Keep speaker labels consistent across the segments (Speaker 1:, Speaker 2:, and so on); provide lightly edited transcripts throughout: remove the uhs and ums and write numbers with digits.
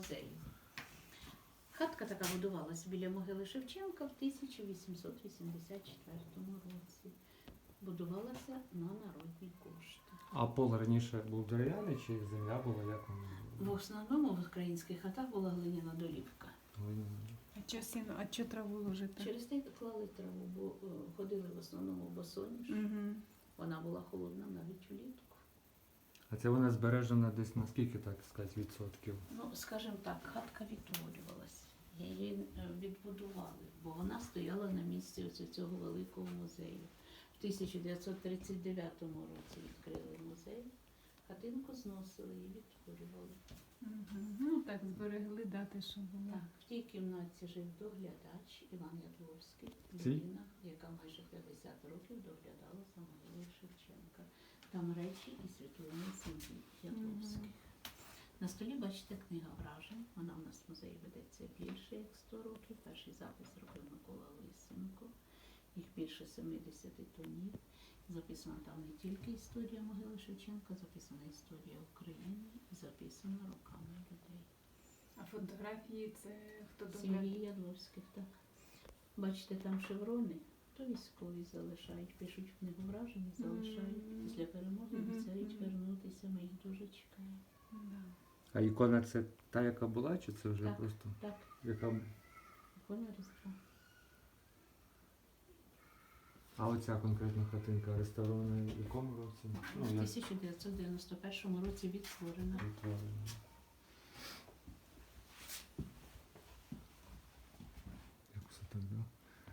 Speaker 1: музею. Хатка така будувалась біля могили Шевченка в 1884 році. Будувалася на народні кошти.
Speaker 2: А пол раніше був дерев'яний чи земля була, як воно?
Speaker 1: В основному в українських хатах була глиняна долівка.
Speaker 3: А чого траву ложити?
Speaker 1: Через те клали траву, бо ходили в основному босоніж.
Speaker 3: Угу.
Speaker 1: Вона була холодна навіть улітку.
Speaker 2: А це вона збережена десь на скільки, так сказати, відсотків?
Speaker 1: Ну, скажімо так, хатка відтворювалась. Її відбудували, бо вона стояла на місці ось цього великого музею. В 1939 році відкрили музей, хатинку зносили і відтворювали.
Speaker 3: Угу. Ну так, зберегли дати, що було.
Speaker 1: Так, в тій кімнаті жив доглядач Іван Ядловський,
Speaker 2: Цій?
Speaker 1: людина, яка майже 50 років доглядала за могилою Шевченка. Там речі і світлини сім'ї Ядловських. На столі бачите книга вражень. Вона у нас в музеї ведеться більше як 100 років. Перший запис робив Микола Лисенко. Їх більше 70 томів. Записана там не тільки історія могили Шевченка, записана історія України і записана руками людей.
Speaker 3: А фотографії це хто
Speaker 1: Сім'ї
Speaker 3: доглядає?
Speaker 1: Ядловських, так. Бачите, там шеврони, то військові залишають, пишуть в книгу вражень, залишають. Після перемоги обіцяють вернутися, ми їх дуже чекаємо.
Speaker 3: Да.
Speaker 2: А ікона це та, яка була, чи це вже
Speaker 1: Так.
Speaker 2: просто?
Speaker 1: Так,
Speaker 2: Яка...
Speaker 1: ікона Різдва.
Speaker 2: А оця конкретна хатинка реставрована в якому році?
Speaker 1: В 1991 році відтворена.
Speaker 2: Відтворена. Як все так, да?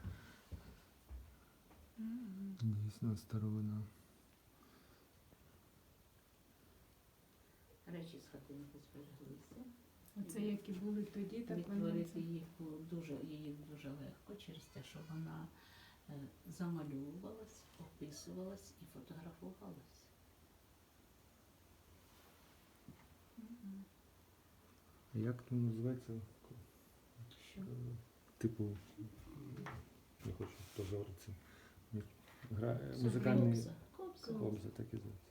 Speaker 2: Дійсно старовина.
Speaker 1: Речі з хатинки збереглися.
Speaker 3: Оце які були тоді, так вони.
Speaker 1: Відтворити їх було її дуже легко через те, що вона замальовувалась, описувалась і фотографувалась.
Speaker 2: А як там називається?
Speaker 1: Що?
Speaker 2: Типу, не хочу теж говорити.
Speaker 1: Це
Speaker 2: Музикальний
Speaker 1: Кобза.
Speaker 2: кобза, так і зветься.